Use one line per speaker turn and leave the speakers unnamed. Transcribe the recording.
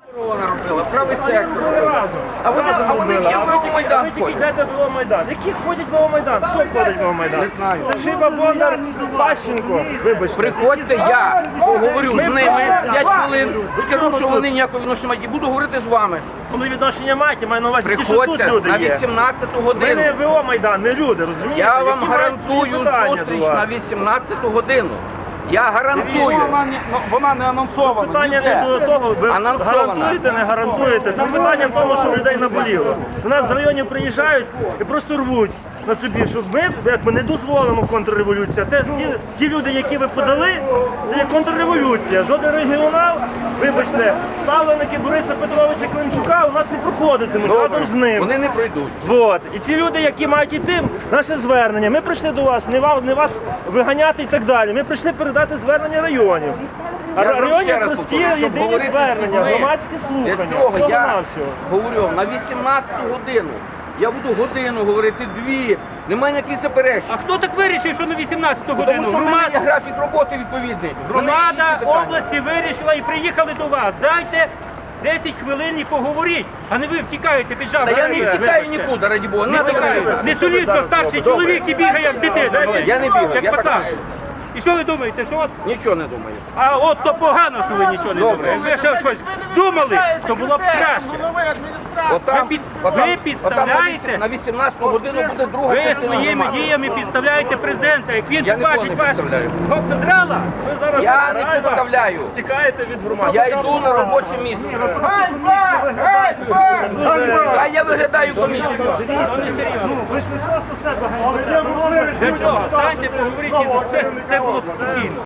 Правий сектор. А вони є в Майдан.
Ви тільки йдете в Майдан. Які ходять в Майдан? Хто ходить в Майдан?
Не знаю.
Це Шиба, Бондар, Пащенко. Вибачте.
Приходьте, я поговорю з ними 5 хвилин, скажу, що вони ніякого відношення мають, і буду говорити з вами.
Вони відношення мають, маю на увазі ті, що тут
Приходьте
люди
на
є.
18-ту
Ми
годину.
не ВО Майдан, не люди, розумієте?
Я вам
Які мають свої
гарантую
питання
зустріч
до вас.
на 18-ту годину. Я гарантую.
Вона не анонсована.
Питання не до того, ви
Анонсована.
гарантуєте, не гарантуєте. Там питання в тому, що людей наболіло. До нас з районів приїжджають і просто рвуть на собі, щоб ми не дозволимо контрреволюцію. Ті люди, які ви подали, це є контрреволюція. Жоден регіонал, вибачте, ставленики Бориса Петровича Климчука у нас не проходитимуть разом з ним.
Вони не пройдуть.
Вот. І ці люди, які мають іти, наше звернення. Ми прийшли до вас, не вас виганяти і так далі. Ми прийшли передати звернення районів. А
Я вам ще
районів
раз
прості
повторю, щоб
єдині
говорити з
звернення,
людьми.
громадські
Для
слухання.
цього я
Всього-навсього.
говорю на 18-ту годину. Я буду годину говорити, 2. Немає ніяких заперечень.
А хто так вирішив, що на 18-ту
Тому
годину?
що в мене є графік роботи відповідний. В мене є інші
Громада
питання.
області вирішила і приїхали до вас. Дайте 10 хвилин і поговоріть, а не ви втікаєте під жабу.
Та я не втікаю нікуди, раді Бога. Не втікаю.
Не солідно старший чоловік і бігає як дитина.
Я не бігаю, я
як
так
пацан.
знаю.
І що ви думаєте, що от?
Нічого не думаю.
А от то погано, що ви нічого не думаєте. Якби ще щось думали, то було б краще.
Отам,
Ви підставляєте?
на 18-ту годину буде друга
Ви
частина
своїми
громади.
діями підставляєте президента. Як він
Я нікого
побачить
не
вас
підставляю.
гоп-задрала,
Ви зараз
Я не підставляю.
тікаєте від громади.
Я йду на робоче місце. А я виглядаю комічно.
Ви ж не просто себе ганяєте.
Для чого? Станьте, поговоріть, і все було б спокійно.